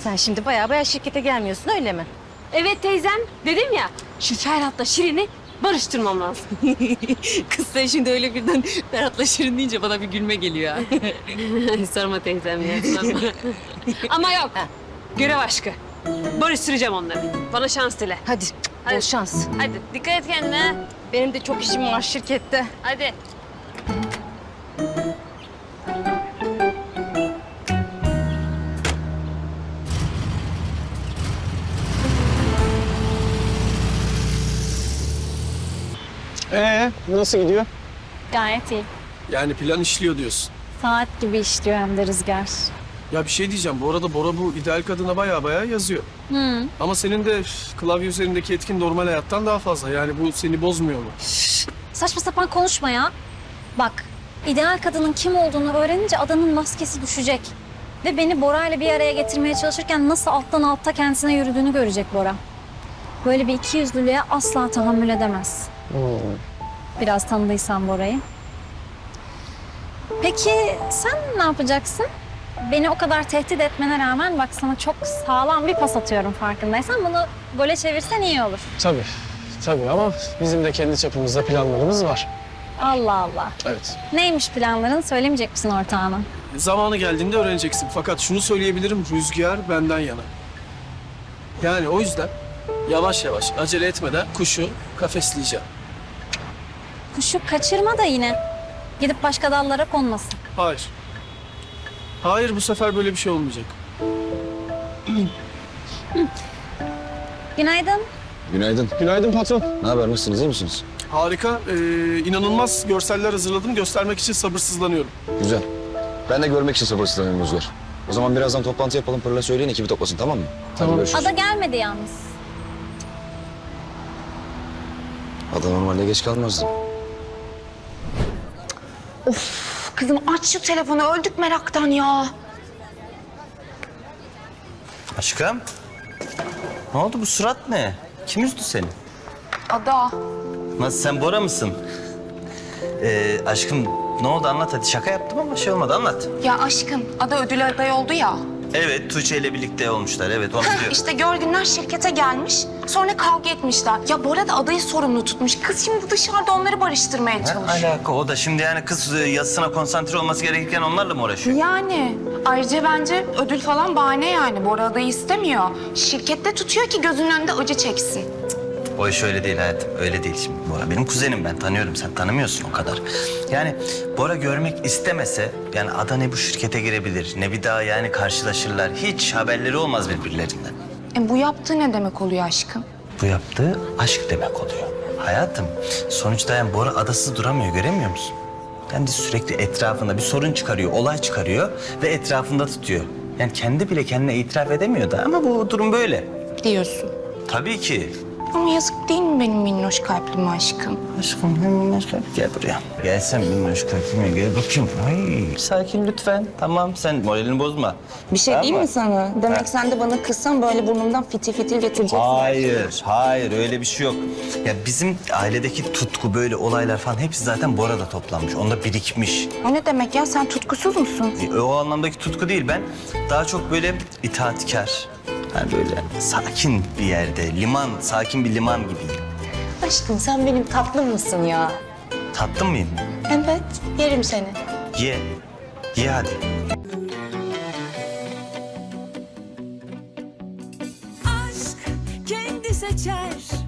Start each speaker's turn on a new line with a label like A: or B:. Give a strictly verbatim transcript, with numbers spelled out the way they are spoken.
A: Sen şimdi baya baya şirkete gelmiyorsun öyle mi?
B: Evet teyzem. Dedim ya şu Ferhat'la Şirin'i barıştırmam lazım.
A: Kız sen şimdi öyle birden Ferhat'la Şirin deyince bana bir gülme geliyor.
B: Sorma teyzem ya sorma. Ama yok. Görev aşkı. Barıştıracağım onları. Bana şans dile.
A: Hadi, bol
B: Hadi.
A: şans.
B: Hadi dikkat et kendine.
A: Benim de çok işim var şirkette.
B: Hadi.
C: Ee, nasıl gidiyor?
D: Gayet iyi.
C: Yani plan işliyor diyorsun.
D: Saat gibi işliyor hem de Rüzgar.
C: Ya bir şey diyeceğim. Bu arada Bora bu ideal kadına baya baya yazıyor.
D: Hı.
C: Ama senin de üf, klavye üzerindeki etkin normal hayattan daha fazla. Yani bu seni bozmuyor mu?
D: Saçma sapan konuşma ya. Bak, ideal kadının kim olduğunu öğrenince adanın maskesi düşecek. Ve beni Bora ile bir araya getirmeye çalışırken nasıl alttan alta kendisine yürüdüğünü görecek Bora. Böyle bir ikiyüzlülüğe asla tahammül edemez. Biraz tanıdıysan Bora'yı. Peki sen ne yapacaksın? Beni o kadar tehdit etmene rağmen bak sana çok sağlam bir pas atıyorum farkındaysan. Bunu gole çevirsen iyi olur.
C: Tabii. Tabii ama bizim de kendi çapımızda planlarımız var.
D: Allah Allah.
C: Evet.
D: Neymiş planların? Söylemeyecek misin ortağına?
C: Zamanı geldiğinde öğreneceksin. Fakat şunu söyleyebilirim. Rüzgar benden yana. Yani o yüzden yavaş yavaş acele etmeden kuşu kafesleyeceğim.
D: Kuşu kaçırma da yine. Gidip başka dallara konmasın.
C: Hayır. Hayır, bu sefer böyle bir şey olmayacak.
D: Günaydın.
E: Günaydın.
C: Günaydın patron.
E: Ne haber? Nasılsınız? İyi misiniz?
C: Harika. Ee, inanılmaz görseller hazırladım. Göstermek için sabırsızlanıyorum.
E: Güzel. Ben de görmek için sabırsızlanıyorum Rüzgar. O zaman birazdan toplantı yapalım. Pırla söyleyin, ekibi toplasın, tamam mı?
C: Tamam.
E: Hadi görüşürüz.
D: Ada gelmedi yalnız.
E: Ada normalde geç kalmazdı.
F: Kızım aç şu telefonu, öldük meraktan ya.
G: Aşkım, ne oldu bu surat ne? Kim üzdü seni?
F: Ada.
G: Nasıl, sen Bora mısın? Ee, aşkım ne oldu anlat hadi, şaka yaptım ama şey olmadı, anlat.
F: Ya aşkım, Ada ödül adayı oldu ya.
G: Evet, Tuğçe ile birlikte olmuşlar, evet onu biliyorum.
F: İşte Görgünler şirkete gelmiş, sonra kavga etmişler. Ya Bora da Ada'yı sorumlu tutmuş. Kız şimdi dışarıda onları barıştırmaya
G: Ne
F: çalışıyor.
G: alaka o da şimdi, yani kız e, yazısına konsantre olması gerekirken onlarla mı uğraşıyor?
F: Yani ayrıca bence ödül falan bahane yani. Bora Ada'yı istemiyor. Şirkette tutuyor ki gözünün önünde acı çeksin.
G: O iş öyle değil hayatım, öyle değil şimdi. Bora benim kuzenim, ben tanıyorum, sen tanımıyorsun o kadar. Yani Bora görmek istemese, yani Ada ne bu şirkete girebilir, ne bir daha yani karşılaşırlar. Hiç haberleri olmaz birbirlerinden.
F: E bu yaptığı ne demek oluyor aşkım?
G: Bu yaptığı aşk demek oluyor. Hayatım, sonuçta yani Bora adasız duramıyor, göremiyor musun? Yani sürekli etrafında bir sorun çıkarıyor, olay çıkarıyor ve etrafında tutuyor. Yani kendi bile kendine itiraf edemiyor da ama bu durum böyle.
F: Diyorsun.
G: Tabii ki.
F: Ama yazık değil mi benim minnoş kalplim aşkım?
G: Aşkım minnoş kalp, gel buraya. Gel sen minnoş kalbime, gel bakayım. Ay, sakin lütfen. Tamam, sen moralini bozma.
F: Bir şey
G: Tamam
F: değil
G: mı?
F: mi sana? Demek
G: Ha.
F: sen de bana kızsan böyle burnumdan fitil fitil getireceksin.
G: Hayır, hayır öyle bir şey yok. Ya bizim ailedeki tutku, böyle olaylar falan hepsi zaten Bora'da toplanmış. Onda birikmiş.
F: O ne demek ya? Sen tutkusuz musun?
G: E, O anlamdaki tutku değil, ben daha çok böyle itaatkar. Yani böyle sakin bir yerde, liman, sakin bir liman gibiyim.
F: Aşkım sen benim tatlım mısın ya?
G: Tatlı mıyım?
F: Evet, yerim seni.
G: Ye, ye hadi.
H: aşk kendi seçer